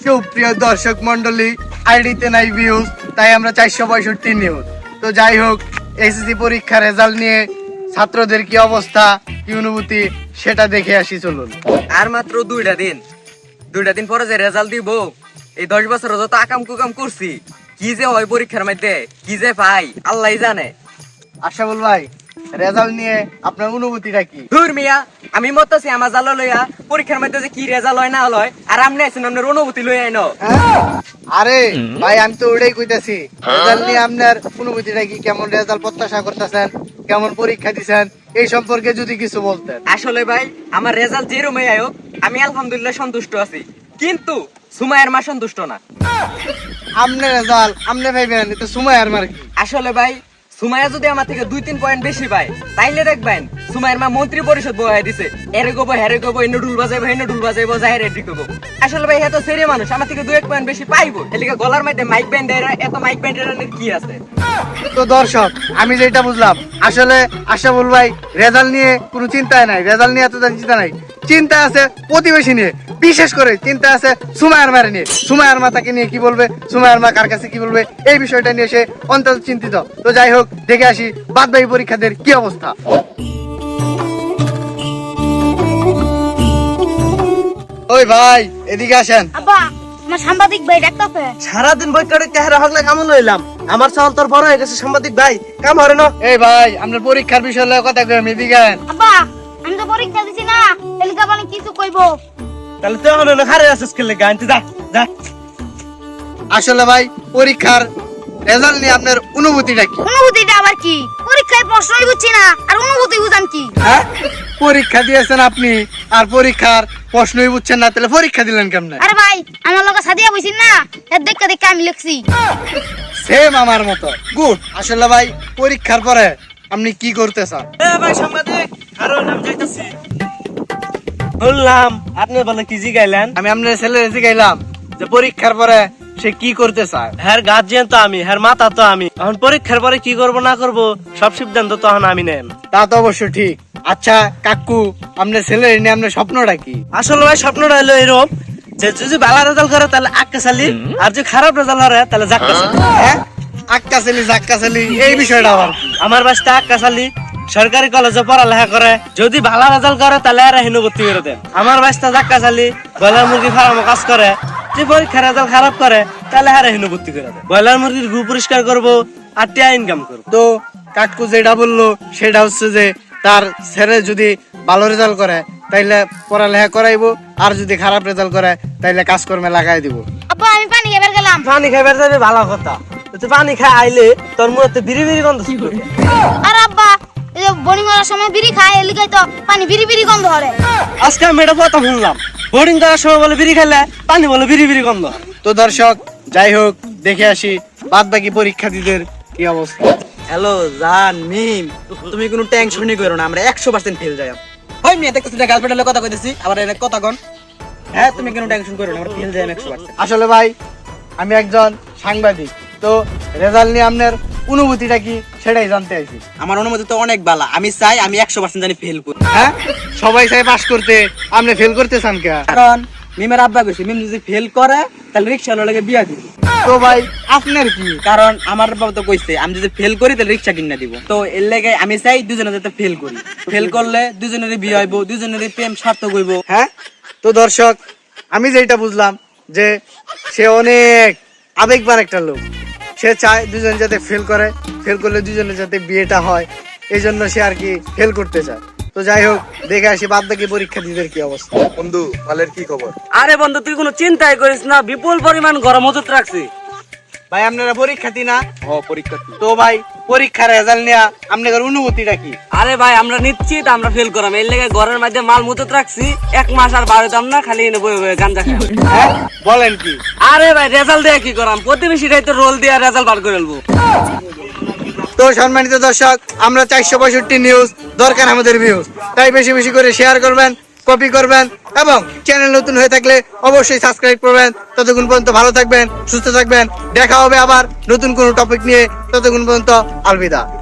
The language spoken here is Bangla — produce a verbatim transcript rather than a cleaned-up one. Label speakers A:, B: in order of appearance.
A: সুপ্রিয় দর্শক মন্ডলী, আইডিতে নাই ভিউজ, তাই আমরা চারশো পঁয়ষট্টি নিউজ। তো যাই হোক, এসএসসি পরীক্ষার রেজাল্ট নিয়ে ছাত্রদের কি অবস্থা, কি অনুভূতি, সেটা দেখে আসি চলুন।
B: আর মাত্র দুইটা দিন দুইটা দিন পরে যে রেজাল্ট দিব, এই দশ বছর যত আকাম কুকাম করছি, কি যে হয় পরীক্ষার মধ্যে, কি যে পাই আল্লাহ জানে।
A: আশাফুল ভাই, রেজাল্ট নিয়ে আপনার অনুভূতিটা কি?
B: ধুর মিয়া, আমি মতাছি আমার জালো লইয়া পরীক্ষার মধ্যে যে কি রেজাল্ট হয় না হয়, আর আপনি আছেন আপনার অনুভূতি লইয়া আইনো।
A: আরে ভাই, আমি তো ওটাই কইতাছি, রেজাল্ট নিয়ে আপনার অনুভূতিটা কি? কেমন রেজাল্ট প্রত্যাশা করতেছেন, কেমন পরীক্ষা দিছেন, এই সম্পর্কে যদি কিছু বলতেন।
B: আসলে ভাই, আমার রেজাল্ট যেরকমই আয়োগ, আমি আলহামদুলিল্লাহ সন্তুষ্ট আছি, কিন্তু সুমাইয়ের মা সন্তুষ্ট না।
A: আমনে রেজাল্ট আমনে ভাইবেন, তো সুমাইয়ার মার কি?
B: আসলে ভাই, সুমাইয়া যদি আমার থেকে দুই তিন পয়েন্ট বেশি পায়, তাইলে দেখবেন সুমাইয়ের মা মন্ত্রী পরিষদ বহাই দিছে, এরে গোবো হেরে গোবো, এনে ডুল বাজাইবো এনে ডুল বাজাইবো, যাহের এটি গোবো। আসলে ভাই, এত সেরে মানুষ আমার থেকে দুই এক পয়েন্ট বেশি পাইবো, এদিকে গলার মধ্যে মাইক ব্যান্ড, এত মাইক ব্যান্ডের কি আছে?
A: তো দর্শক, আমি যেটা বুঝলাম, আসলে আশাফুল ভাই রেজাল্ট নিয়ে কোনো চিন্তায় নাই, রেজাল্ট নিয়ে এত চিন্তা নাই, চিন্তা আছে প্রতিবেশী নিয়ে, বিশেষ করে চিন্তা আছে সুমাইয়ার মারে নিয়ে। সুমাইয়ার মা তাকে নিয়ে কি বলবে, সুমাইয়ার মা কার কাছে কি বলবে, এই বিষয়টা নিয়ে সে অন্তত চিন্তিত। তো যাই হোক, দেখে আসি বাদ বাকি পরীক্ষাদের কি অবস্থা। ওই ভাই, এদিকে আসেন।
C: আব্বা, আমার সাংবাদিক ভাই ডাকতাছে।
D: সারাদিন বই কাটে চেহারা হকলে কেমন হইলাম, আমার চাল তোর বড় হয়ে গেছে সাংবাদিক ভাই, কাম হরে না।
A: এই ভাই, আপনার পরীক্ষার বিষয় লয়ে কথা কই, এদিকে আন।
C: আব্বা, আমি তো পরীক্ষা দিছি না, এলিকা মানে কিছু কইবো।
D: তাহলে তুই এখন খারে আছিস কেলে গান, যা যা।
A: আসলে ভাই, পরীক্ষার রেজাল্ট নিয়ে আপনার অনুভূতিটা কি?
C: অনুভূতিটা আবার কি? পরীক্ষায় প্রশ্নই বুঝছি না, আর অনুভূতি বুঝাম কি?
A: হ্যাঁ, পরীক্ষা দিয়েছেন আপনি, আর পরীক্ষার প্রশ্নই বুঝছেন না, তাহলে পরীক্ষা দিলেন কেমনে?
C: আরে ভাই, আমার লগে সাদিয়া বইছিস না, এর দেখে দেখে আমি লিখছি।
A: সেম আমার মতো। গুড। আসলে ভাই, পরীক্ষার পরে আপনি কি করতে চান?
D: এ ভাই সাংবাদিক, কারণ আমি যাইতাছি। বললাম আপনি বলে কি জিগাইলেন?
A: আমি আপনার ছেলে জিগাইলাম যে পরীক্ষার পরে সে কি করতে চায়।
D: হ্যার গার্জিয়ান তো আমি, হ্যার মাতা তো আমি, এখন পরীক্ষার পরে কি করব না করব সব সিদ্ধান্ত তখন আমি নেন।
A: তা তো অবশ্য ঠিক। আচ্ছা কাকু, আপনার ছেলে নিয়ে আপনার স্বপ্নটা কি?
D: আসলে ভাই, স্বপ্নটা হলো এরকম যে যদি ভালো রেজাল্ট করে তাহলে আক্কা চালি, আর যদি খারাপ রেজাল্ট করে তাহলে জাক্কা চালি।
A: হ্যাঁ, আক্কা ছেলি জাক্কা ছেলি, এই বিষয়টা আবার কি?
D: আমার বাসটা আক্কা চালি সরকারি কলেজে পড়ালেখা করে, যদি ভালো রেজাল্ট করে তাহলে এরা হিনু ভর্তি করে দেন। আমার বাসটা জাক্কা চালি ব্রয়লার মুরগি ফার্মে কাজ করে, যে পরীক্ষার রেজাল্ট খারাপ করে তাহলে হারে হিনু ভর্তি করে দেন। ব্রয়লার মুরগির গু পরিষ্কার করবো আর টিয়া ইনকাম করবো।
A: তো কাকু যেটা বললো সেটা হচ্ছে যে তার ছেলে যদি ভালো রেজাল্ট করে তাইলে পড়ালেখা করাইবো, আর যদি খারাপ রেজাল্ট করে তাইলে কাজকর্মে লাগাই দিব।
C: আব্বা, আমি পানি খাইবার গেলাম।
D: পানি খাইবার যাবে ভালো কথা, তুই পানি খাই আইলে তোর মুখে বিড়ি বিড়ি গন্ধ ছিল।
C: আর আব্বা, এই যে বোরিং করার সময় বিড়ি খায়, এলিকাই তো পানি বিড়ি বিড়ি গন্ধ হরে।
D: আজকে আমি এটা কথা শুনলাম, বোর্ডিং করার সময় বলে বিড়ি খেলে পানি বলে বিড়ি বিড়ি গন্ধ।
A: তো দর্শক, যাই হোক, দেখে আসি বাদ বাকি পরীক্ষার্থীদের কি অবস্থা।
E: হ্যালো জান মিম, তুমি কোনো টেনশনই করো না, আমরা একশো পার্সেন্ট ফেল যাই। ওই মেয়ে দেখতেছি না, গার্লফ্রেন্ডের কথা কইতেছি, আবার এর কথা কন। হ্যাঁ, তুমি কোনো টেনশন করো না, আমরা ফেল যাই একশো পার্সেন্ট।
A: আসলে ভাই, আমি একজন সাংবাদিক, তো রেজাল্ট নিয়ে আপনার অনুভূতিটা কি সেটাই জানতে চাইছি।
E: আমার অনুমতি তো অনেক ভালো, আমি চাই আমি একশো পার্সেন্ট জানি ফেল করি।
A: হ্যাঁ, সবাই চাই পাস করতে, আপনি ফেল করতে চান কে?
E: কারণ মিমের আব্বা কইছে মিম যদি ফেল করে তাহলে রিক্সা লাগে বিয়া দিবি।
A: তো ভাই, আপনার কি?
E: কারণ আমার বাবা তো কইছে আমি যদি ফেল করি তাহলে রিক্সা কিনে দিব, তো এর লেগে আমি চাই দুজনে যাতে ফেল করি। ফেল করলে দুজনেরই বিয়ে হইব, দুজনেরই প্রেম সার্থক হইব।
A: হ্যাঁ, তো দর্শক, আমি যেটা বুঝলাম যে সে অনেক আবেগবান একটা লোক, সে চায় দুজন যাতে ফেল করে, ফেল করলে দুজনের যাতে বিয়েটা হয়, এই জন্য সে আর কি ফেল করতে চায়। তো যাই হোক, দেখে আসি বাদ বাকি পরীক্ষার্থীদের কি অবস্থা। বন্ধু, কালের কি খবর?
D: আরে বন্ধু, তুই কোনো চিন্তাই করিস না, বিপুল পরিমাণ গরম হতে রাখছি।
A: ভাই, আপনারা পরীক্ষার্থী না?
E: ও পরীক্ষার্থী।
A: তো ভাই, পরীক্ষার রেজাল্ট নিয়ে আপনাদের অনুভূতিটা কি?
D: আরে ভাই, আমরা নিশ্চিত আমরা ফেল করাম, এর লেগে ঘরের মধ্যে মাল মুতত রাখছি, এক মাস আর বারোতাম না, খালি এনে বই বই গাঞ্জা খাই।
A: হ্যাঁ, বলেন কি?
D: আরে ভাই, রেজাল্ট দিয়ে কি করাম, প্রতিবেশীরাই তো রোল দিয়ে রেজাল্ট বার করে ফেলবো।
A: তো সম্মানিত দর্শক, আমরা চারশো পঁয়ষট্টি নিউজ, দরকার আমাদের ভিউজ, তাই বেশি বেশি করে শেয়ার করবেন, কপি করবেন, এবং চ্যানেল নতুন হয়ে থাকলে অবশ্যই সাবস্ক্রাইব করবেন। ততক্ষণ পর্যন্ত ভালো থাকবেন, সুস্থ থাকবেন, দেখা হবে আবার নতুন কোনো টপিক নিয়ে। ততক্ষণ পর্যন্ত আলবিদা।